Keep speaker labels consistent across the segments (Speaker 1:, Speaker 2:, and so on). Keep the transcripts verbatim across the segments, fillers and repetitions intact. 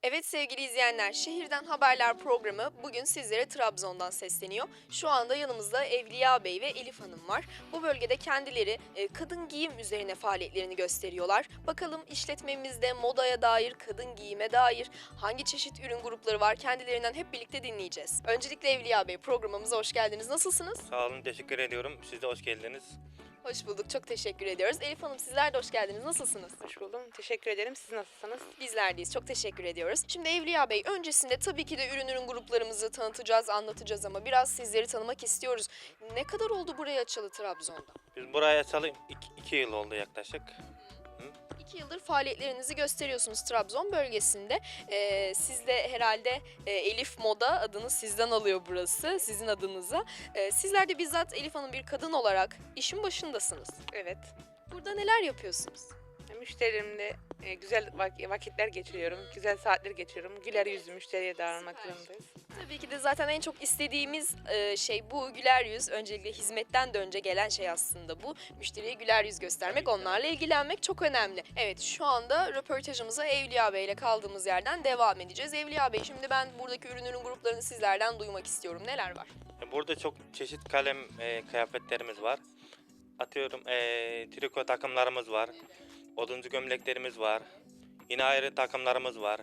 Speaker 1: Evet sevgili izleyenler, Şehirden Haberler programı bugün sizlere Trabzon'dan sesleniyor. Şu anda yanımızda Evliya Bey ve Elif Hanım var. Bu bölgede kendileri e, kadın giyim üzerine faaliyetlerini gösteriyorlar. Bakalım işletmemizde modaya dair, kadın giyime dair hangi çeşit ürün grupları var kendilerinden hep birlikte dinleyeceğiz. Öncelikle Evliya Bey, programımıza hoş geldiniz. Nasılsınız?
Speaker 2: Sağ olun, teşekkür ediyorum. Siz de hoş geldiniz.
Speaker 1: Hoş bulduk, çok teşekkür ediyoruz. Elif Hanım, sizler de hoş geldiniz. Nasılsınız?
Speaker 3: Hoş buldum. Teşekkür ederim. Siz nasılsınız?
Speaker 1: Bizler deyiz. Çok teşekkür ediyoruz. Şimdi Evliya Bey, öncesinde tabii ki de ürün ürün gruplarımızı tanıtacağız, anlatacağız ama biraz sizleri tanımak istiyoruz. Ne kadar oldu buraya açılı Trabzon'da?
Speaker 2: Biz buraya açalı iki, iki yıl oldu yaklaşık.
Speaker 1: İki yıldır faaliyetlerinizi gösteriyorsunuz Trabzon bölgesinde. Ee, siz de herhalde e, Elif Moda adını sizden alıyor burası, sizin adınıza. Ee, sizler de bizzat Elif Hanım bir kadın olarak işin başındasınız.
Speaker 3: Evet.
Speaker 1: Burada neler yapıyorsunuz?
Speaker 3: Müşterilerimle e, güzel vak- vakitler geçiriyorum. Güzel saatler geçiriyorum. Güler yüzlü müşteriye davranmak
Speaker 1: Süper.
Speaker 3: zorundayız.
Speaker 1: Tabii ki de zaten en çok istediğimiz e, şey bu güler yüz. Öncelikle hizmetten de önce gelen şey aslında bu. Müşteriye güler yüz göstermek, onlarla ilgilenmek çok önemli. Evet, şu anda röportajımıza Evliya Bey ile kaldığımız yerden devam edeceğiz. Evliya Bey, şimdi ben buradaki ürün ürün gruplarını sizlerden duymak istiyorum. Neler var?
Speaker 2: Burada çok çeşit kalem e, kıyafetlerimiz var. Atıyorum e, triko takımlarımız var. Oduncu gömleklerimiz var. Yine ayrı takımlarımız var.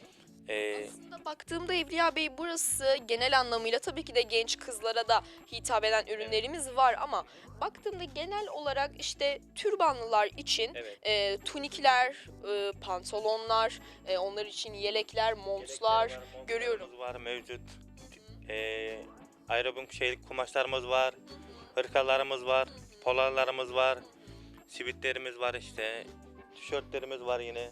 Speaker 2: E,
Speaker 1: Aslında baktığımda Evliya Bey, burası genel anlamıyla tabii ki de genç kızlara da hitap eden ürünlerimiz var ama baktığımda genel olarak işte türbanlılar için
Speaker 2: evet.
Speaker 1: e, tunikler, e, pantolonlar, e, onlar için yelekler, montlar
Speaker 2: Yelekler var, montlarımız
Speaker 1: görüyorum.
Speaker 2: var mevcut. E, aerobik şey kumaşlarımız var. Hırkalarımız var. Polarlarımız var. Sivitlerimiz var işte. Tişörtlerimiz var yine.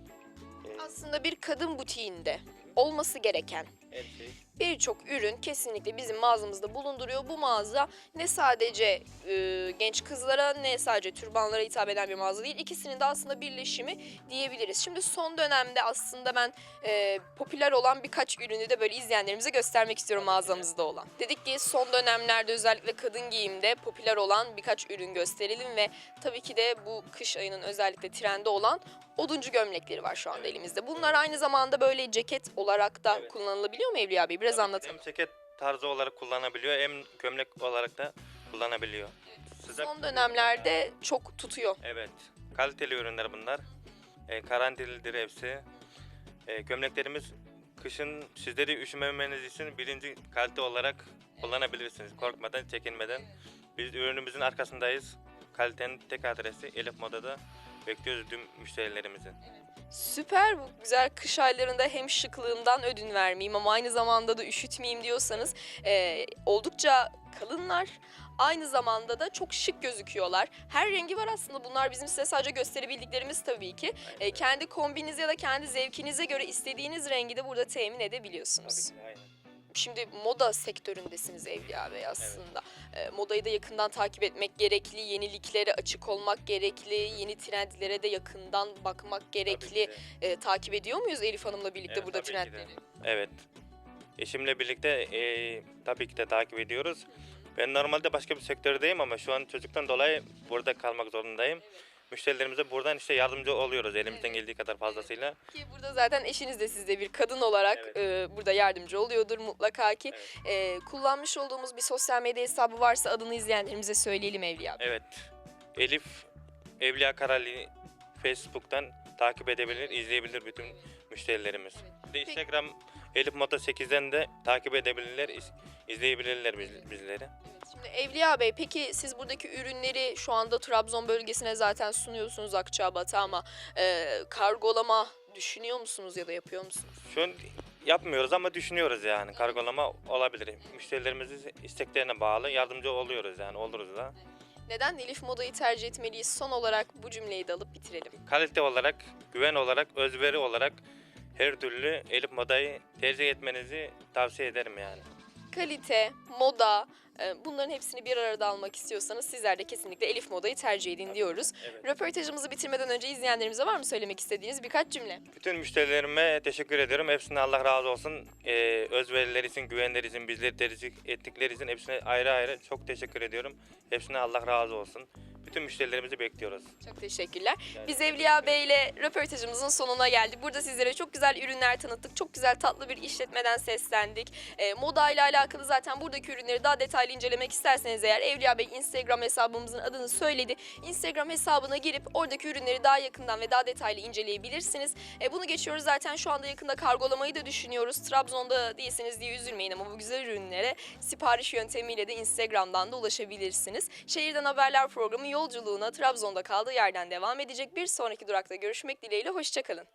Speaker 2: E,
Speaker 1: Aslında bir kadın butiğinde olması gereken
Speaker 2: her şey.
Speaker 1: birçok ürün kesinlikle bizim mağazamızda bulunduruyor. Bu mağaza ne sadece e, genç kızlara ne sadece türbanlara hitap eden bir mağaza değil. İkisinin de aslında birleşimi diyebiliriz. Şimdi son dönemde aslında ben e, popüler olan birkaç ürünü de böyle izleyenlerimize göstermek istiyorum mağazamızda olan. Dedik ki son dönemlerde özellikle kadın giyimde popüler olan birkaç ürün gösterelim ve tabii ki de bu kış ayının özellikle trende olan oduncu gömlekleri var şu anda elimizde. Bunlar aynı zamanda böyle ceket olarak da
Speaker 2: Evet.
Speaker 1: kullanılabiliyor mu Evliya Bey? Biraz
Speaker 2: Tabii ki
Speaker 1: anlatalım.
Speaker 2: Hem ceket tarzı olarak kullanabiliyor hem gömlek olarak da kullanabiliyor. Sıcak
Speaker 1: Son dönemlerde çok tutuyor.
Speaker 2: Evet. Kaliteli ürünler bunlar. E, garantilidir hepsi. E, gömleklerimiz kışın sizleri üşümemeniz için birinci kalite olarak kullanabilirsiniz. Korkmadan, çekinmeden. Biz ürünümüzün arkasındayız. Kalitenin tek adresi Elif Moda'da. Bekliyoruz tüm müşterilerimizi.
Speaker 1: Süper, bu güzel kış aylarında hem şıklığından ödün vermeyeyim ama aynı zamanda da üşütmeyeyim diyorsanız e, oldukça kalınlar. Aynı zamanda da çok şık gözüküyorlar. Her rengi var aslında, bunlar bizim size sadece gösterebildiklerimiz tabii ki. E, kendi kombinize ya da kendi zevkinize göre istediğiniz rengi de burada temin edebiliyorsunuz.
Speaker 2: Tabii ki, aynen.
Speaker 1: Şimdi moda sektöründesiniz Evliya Bey aslında. E, modayı da yakından takip etmek gerekli, yeniliklere açık olmak gerekli, yeni trendlere de yakından bakmak
Speaker 2: Tabii
Speaker 1: gerekli.
Speaker 2: ki de.
Speaker 1: E, takip ediyor muyuz Elif Hanım'la birlikte
Speaker 2: Evet,
Speaker 1: burada
Speaker 2: tabii ki de.
Speaker 1: trendleri?
Speaker 2: Evet. Eşimle birlikte e, tabii ki de takip ediyoruz. Ben normalde başka bir sektördeyim ama şu an çocuktan dolayı burada kalmak zorundayım. Müşterilerimize buradan işte yardımcı oluyoruz elimizden
Speaker 1: Evet.
Speaker 2: geldiği kadar fazlasıyla.
Speaker 1: Ki burada zaten eşiniz de sizde bir kadın olarak
Speaker 2: Evet.
Speaker 1: e, burada yardımcı oluyordur mutlaka ki.
Speaker 2: Evet.
Speaker 1: E, kullanmış olduğumuz bir sosyal medya hesabı varsa adını izleyenlerimize söyleyelim Evliya Bey.
Speaker 2: Evet. Elif Evliya Karali Facebook'tan takip edebilir, izleyebilir bütün müşterilerimiz. Bir de Instagram Elif Moda sekizden de takip edebilirler, iz- izleyebilirler biz- bizleri.
Speaker 1: Şimdi Evliya Bey, peki siz buradaki ürünleri şu anda Trabzon bölgesine zaten sunuyorsunuz, Akçabat'a, ama e, kargolama düşünüyor musunuz ya da yapıyor musunuz?
Speaker 2: Şu an yapmıyoruz ama düşünüyoruz yani kargolama olabilir. Müşterilerimizin isteklerine bağlı yardımcı oluyoruz yani oluruz da.
Speaker 1: Neden Elif Moda'yı tercih etmeliyiz? Son olarak bu cümleyi de alıp bitirelim.
Speaker 2: Kalite olarak, güven olarak, özveri olarak her türlü Elif Moda'yı tercih etmenizi tavsiye ederim yani.
Speaker 1: Kalite, moda, e, bunların hepsini bir arada almak istiyorsanız sizler de kesinlikle Elif Moda'yı tercih edin diyoruz.
Speaker 2: Evet.
Speaker 1: Röportajımızı bitirmeden önce izleyenlerimize var mı söylemek istediğiniz birkaç cümle?
Speaker 2: Bütün müşterilerime teşekkür ediyorum. Hepsine Allah razı olsun. Ee, özverileri için, güvenleri için, bizleri tercih ettikleri için hepsine ayrı ayrı çok teşekkür ediyorum. Hepsine Allah razı olsun. Bütün müşterilerimizi bekliyoruz.
Speaker 1: Çok teşekkürler.
Speaker 2: Yani-
Speaker 1: Biz Evliya Bey ile röportajımızın sonuna geldik. Burada sizlere çok güzel ürünler tanıttık. Çok güzel tatlı bir işletmeden seslendik. E, moda ile alakalı zaten buradaki ürünleri daha detaylı incelemek isterseniz eğer Evliya Bey Instagram hesabımızın adını söyledi. Instagram hesabına girip oradaki ürünleri daha yakından ve daha detaylı inceleyebilirsiniz. E, bunu geçiyoruz zaten şu anda yakında kargolamayı da düşünüyoruz. Trabzon'da değilseniz diye üzülmeyin ama bu güzel ürünlere sipariş yöntemiyle de Instagram'dan da ulaşabilirsiniz. Şehirden Haberler programı yolculuğuna Trabzon'da kaldığı yerden devam edecek. Bir sonraki durakta görüşmek dileğiyle. Hoşçakalın.